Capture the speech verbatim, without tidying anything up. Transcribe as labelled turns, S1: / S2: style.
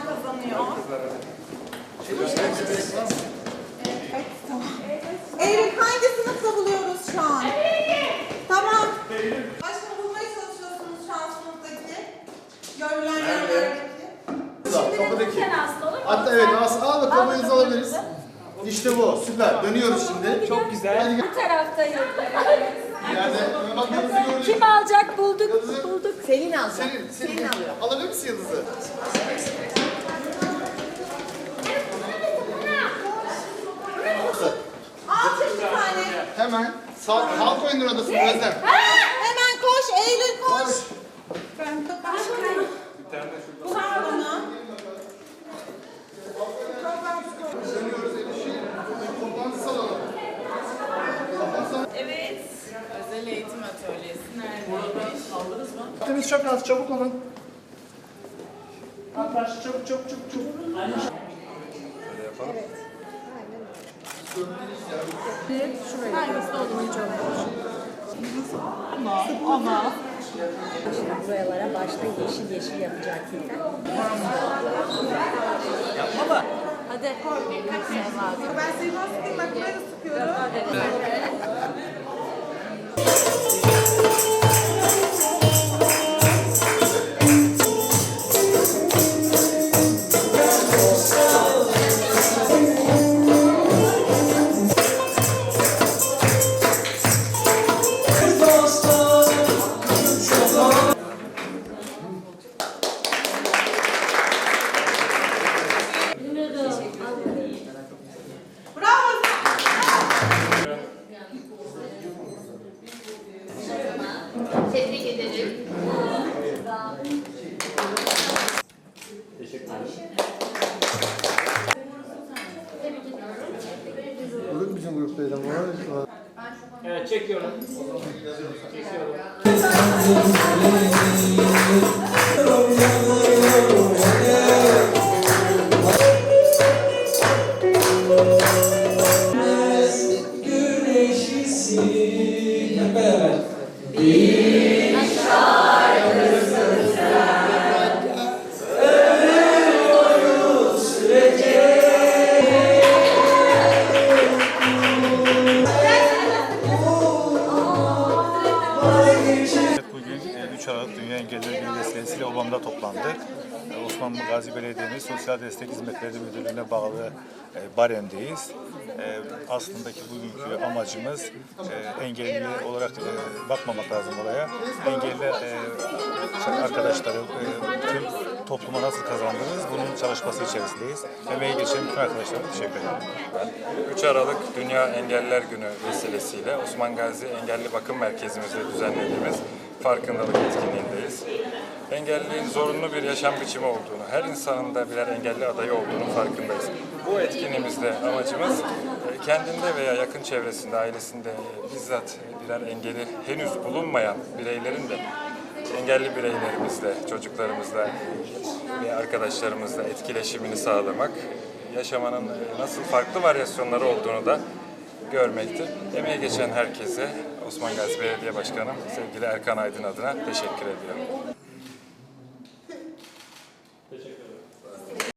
S1: kazanıyor. Eylül hangi sınıfta buluyoruz şu an? Tamam. Başka bulmaya çalışıyorsunuz şu an sınıftaki. Görülen yerlerdeki.
S2: Kapıdaki. Hatta evet, al bakalım, kamerayınızı alabiliriz. İşte bu, süper. Dönüyoruz şimdi. Çok güzel.
S3: Bu taraftayız.
S2: Yani bak, yıldızı gördük.
S3: Kim alacak? Bulduk.
S2: Yıldızı.
S3: Bulduk.
S1: Selin alacak.
S2: Selin, Selin alıyor. Alabilir misin yıldızı?
S1: Al çek bir tane.
S2: Hemen. Sağ, halk oyunları odasında Özlem.
S1: Hemen koş Eylül koş.
S2: Koş.
S1: Ben de başka. Bu bana.
S2: Dönüyoruz Eliş'i. Toplantı salonu.
S4: Evet. Özel eğitim atölyesi neredeymiş? Aldınız mı?
S2: Vaktimiz çok az, çabuk olun. Arkadaşlar çabuk çabuk çabuk çabuk. Şöyle yapalım.
S4: Hangisi olduğunu çok
S3: Buralara başta yeşil yeşil yapacaktık.
S4: Hadi.
S1: Ben seni nasıl bak böyle sıkıyorum. Bravo.
S4: Tebrik ederim.
S2: Olur bizim gruptaydı ama.
S5: Evet, çekiyorum. Çekiyorum.
S6: Bugün üç Aralık Dünya Engelliler Günü vesilesiyle Obam'da toplandık. Osman Gazi Belediye'nin Sosyal Destek Hizmetleri Müdürlüğü'ne bağlı Barem'deyiz. Aslındaki bugünkü amacımız engelli olarak bakmamak lazım olaya. Engelli arkadaşları tüm topluma nasıl kazandırırız bunun çalışması içerisindeyiz. Emeği geçen bütün arkadaşlarıma teşekkür ederim.
S7: üç Aralık Dünya Engelliler Günü vesilesiyle Osman Gazi Engelli Bakım Merkezimizde düzenlediğimiz farkındalık etkinliğindeyiz. Engelliliğin zorunlu bir yaşam biçimi olduğunu, her insanın da birer engelli adayı olduğunu farkındayız. Bu etkinliğimizde amacımız kendinde veya yakın çevresinde, ailesinde bizzat birer engeli henüz bulunmayan bireylerin de engelli bireylerimizle, çocuklarımızla ve arkadaşlarımızla etkileşimini sağlamak, yaşamanın nasıl farklı varyasyonları olduğunu da görmektir. Emeği geçen herkese Osman Gazi Belediye Başkanım sevgili Erkan Aydın adına teşekkür ediyorum.